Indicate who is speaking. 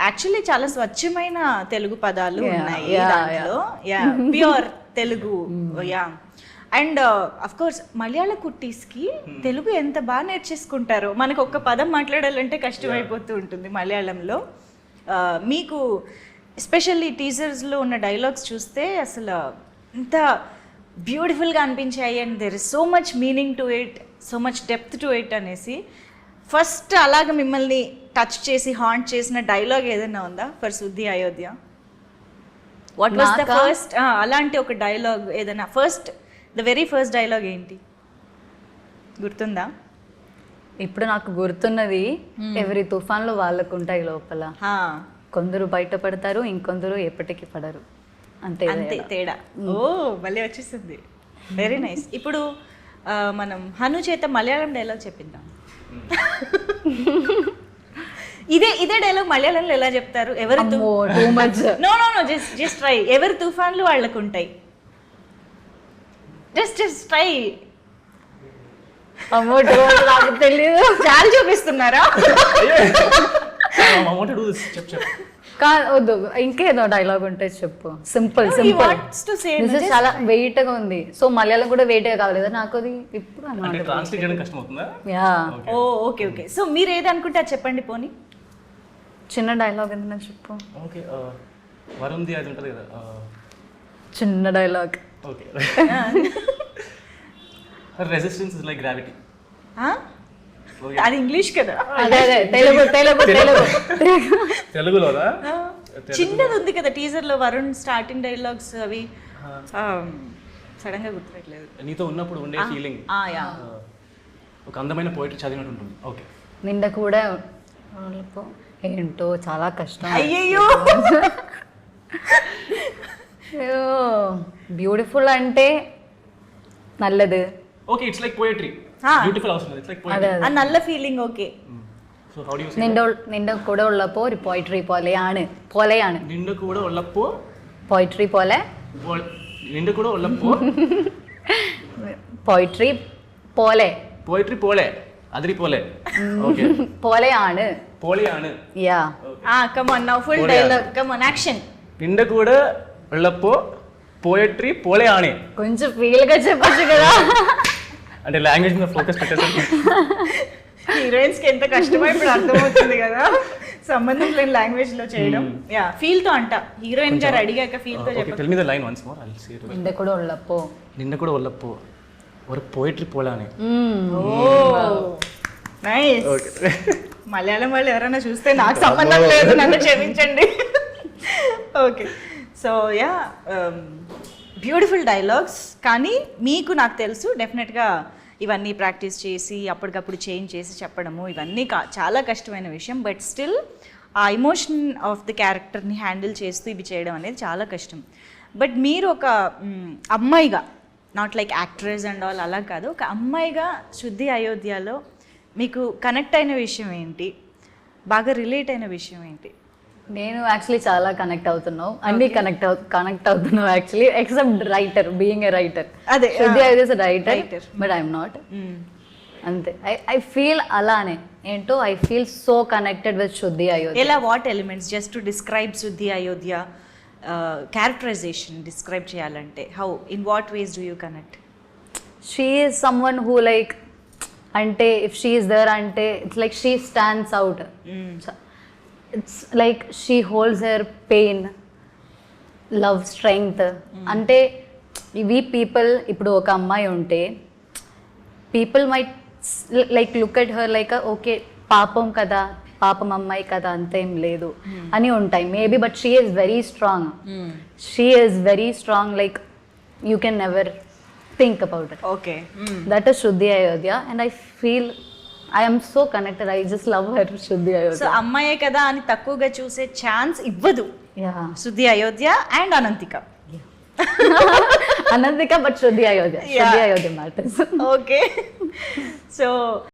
Speaker 1: Actually చాలా స్వచ్ఛమైన తెలుగు పదాలు ఉన్నాయి దాంట్లో. Yeah, pure Telugu. Yeah, and of course Malayalam కుట్టీస్కి తెలుగు ఎంత బాగా నేర్చేసుకుంటారో. మనకు ఒక్క పదం మాట్లాడాలంటే కష్టమైపోతూ ఉంటుంది మలయాళంలో. మీకు ఎస్పెషల్లీ టీజర్స్లో ఉన్న డైలాగ్స్ చూస్తే అసలు ఎంత బ్యూటిఫుల్గా అనిపించాయి. And there is so much meaning to it, so much depth to it అనేసి. ఫస్ట్ అలాగ మిమ్మల్ని టచ్ చేసి హాంట్ చేసిన డైలాగ్ ఏదైనా ఉందా for Shuddhi Ayodhya? What was the first అలాంటి ఒక డైలాగ్ ఏదైనా? ద వెరీ ఫస్ట్ డైలాగ్ ఏంటి గుర్తుందా?
Speaker 2: ఇప్పుడు నాకు గుర్తున్నది, ఎవరి తుఫాన్లు వాళ్ళకు ఉంటాయి లోపల, కొందరు బయటపడతారు, ఇంకొందరు ఎప్పటికీ పడరు, అంతే
Speaker 1: అంతే తేడా. ఓ భలే వచ్చేసింది, వెరీ నైస్. ఇప్పుడు మనం హను చేత మలయాళం డైలాగ్ చెప్పిందాం. ఇదే డైలాగ్ మలయాళంలో ఎలా చెప్తారు? ఎవరి no no no just try. ఎవరి తుఫాన్లు వాళ్ళకు ఉంటాయి. Just try.
Speaker 2: నాకు తెలియదు.
Speaker 1: చాలు చూపిస్తున్నారా?
Speaker 2: వద్దు, ఇంకేదో డైలాగ్ ఉంటే చెప్పు. Simple simple. చాలా వెయిట్ గా ఉంది. సో మలయాళం కూడా వెయిట్ గా కావాలి నాకు అది. ఇప్పుడు
Speaker 1: ఓకే ఓకే. సో మీరు ఏది అనుకుంటే అది చెప్పండి. పోనీ
Speaker 2: చిన్న డైలాగ్ ఏదైనా చెప్పు. చిన్న dialogue.
Speaker 3: Resistance is like gravity.
Speaker 1: అది ఇంగ్లీష్ కదా.
Speaker 3: తెలుగులోనా?
Speaker 1: చిన్నది ఉంది కదా టీజర్ లో వరుణ్ స్టార్టింగ్ డైలాగ్స్ అవి సడన్ గా గుర్తురాట్లేదు.
Speaker 3: నీతో ఉన్నప్పుడు ఉండే ఫీలింగ్ ఒక అందమైన పోయిటరీ చదివినట్టు ఉంటుంది. ఓకే.
Speaker 2: నిండ కూడా ఏంటో చాలా కష్టం.
Speaker 1: అయ్యయ్యో,
Speaker 2: బ్యూటిఫుల్ అంటే నల్లది.
Speaker 3: Okay, it's like poetry. Beautiful అవసరం లేదు, ఇట్స్ లైక్ పోయిటరీ.
Speaker 1: ఆ నల్ల feeling. Okay.
Speaker 3: So how do you say?
Speaker 2: നിന്റെ കൂടെ ഉള്ളപ്പോൾ ഒരു പോയിട്രി പോലെയാണ്.
Speaker 3: നിന്റെ കൂടെ ഉള്ളപ്പോൾ
Speaker 2: പോയിട്രി പോലെ.
Speaker 3: നിന്റെ കൂടെ ഉള്ളപ്പോൾ
Speaker 2: പോയിട്രി പോലെ.
Speaker 3: പോയിട്രി പോലെ, അതിരി പോലെ. ഓക്കേ.
Speaker 2: പോലെയാണ്.
Speaker 3: പോലെയാണ്.
Speaker 2: യാ.
Speaker 1: come on now, full dialogue, come on, action.
Speaker 3: നിന്റെ കൂടെ ഉള്ളപ്പോൾ పోయట్రీ పోలేయానే.
Speaker 2: కొంచెం ఫీల్ గా చెప్పొచ్చు కదా.
Speaker 3: అంటే లాంగ్వేజ్ మీద ఫోకస్ పెట్టేసరికి
Speaker 1: హీరోయిన్స్ కి ఎంత కష్టమో ఇప్పుడు అర్థమవుతుంది కదా, సంబంధం లేని లాంగ్వేజ్ లో చేయడం. యా, ఫీల్ తో అంట. హీరోయిన్ గారు అడిగాక ఫీల్ తో చెప్పండి.
Speaker 3: Tell me the line once more, I will say it.
Speaker 2: నింద కూడా ఉల్లప్పో.
Speaker 3: నింద కూడా ఉల్లప్పో ఒక పోయట్రీ పోలానే.
Speaker 1: Oh nice. ఓకే. మలయాళం వాళ్ళు ఎవరైనా చూస్తే నాకు సంబంధం లేదు, నన్ను క్షమించండి. Okay. So yeah, beautiful dialogues. కానీ మీకు నాకు తెలుసు డెఫినెట్గా ఇవన్నీ ప్రాక్టీస్ చేసి అప్పటికప్పుడు చేంజ్ చేసి చెప్పడము ఇవన్నీ చాలా కష్టమైన విషయం. బట్ స్టిల్ ఆ ఎమోషన్ ఆఫ్ ది క్యారెక్టర్ని హ్యాండిల్ చేస్తూ ఇవి చేయడం అనేది చాలా కష్టం. బట్ మీరు ఒక అమ్మాయిగా, not like actress and all అలా కాదు, ఒక అమ్మాయిగా శుద్ధి అయోధ్యలో మీకు కనెక్ట్ అయిన విషయం ఏంటి? బాగా రిలేట్ అయిన విషయం ఏంటి?
Speaker 2: నేను యాక్చువల్లీ చాలా కనెక్ట్ అవుతున్నావు, అన్ని కనెక్ట్ అవుతున్నావు actually, except writer, being a writer.
Speaker 1: అదే
Speaker 2: Shuddhi Ayodhya writer, but I'm not. అంతే. ఐ ఫీల్ అలానే ఏంటో, I feel so connected with Shuddhi Ayodhya.
Speaker 1: ఎలా, what elements just to describe Shuddhi Ayodhya characterization describe చేయాలంటే how, in what ways do you connect?
Speaker 2: She is someone who like, అంటే if she is there అంటే it's like she stands out. It's like she holds her pain, love, strength. అంటే ఇవి people, ఇప్పుడు ఒక అమ్మాయి ఉంటే people might like look at her like okay పాపం కదా, పాపం అమ్మాయి కదా, అంతేం లేదు అని ఉంటాయి maybe. But she is very strong. She is very strong, like you can never think about it.
Speaker 1: Okay.
Speaker 2: That is Shuddhi Ayodhya and I feel I am so connected. I just love her, Shuddhi Ayodhya.
Speaker 1: So అమ్మాయే కదా అని తక్కువగా చూసే chance ఇవ్వదు Shuddhi Ayodhya and Anantika.
Speaker 2: Anantika, but Shuddhi Ayodhya. Shuddhi Ayodhya matters.
Speaker 1: Okay. So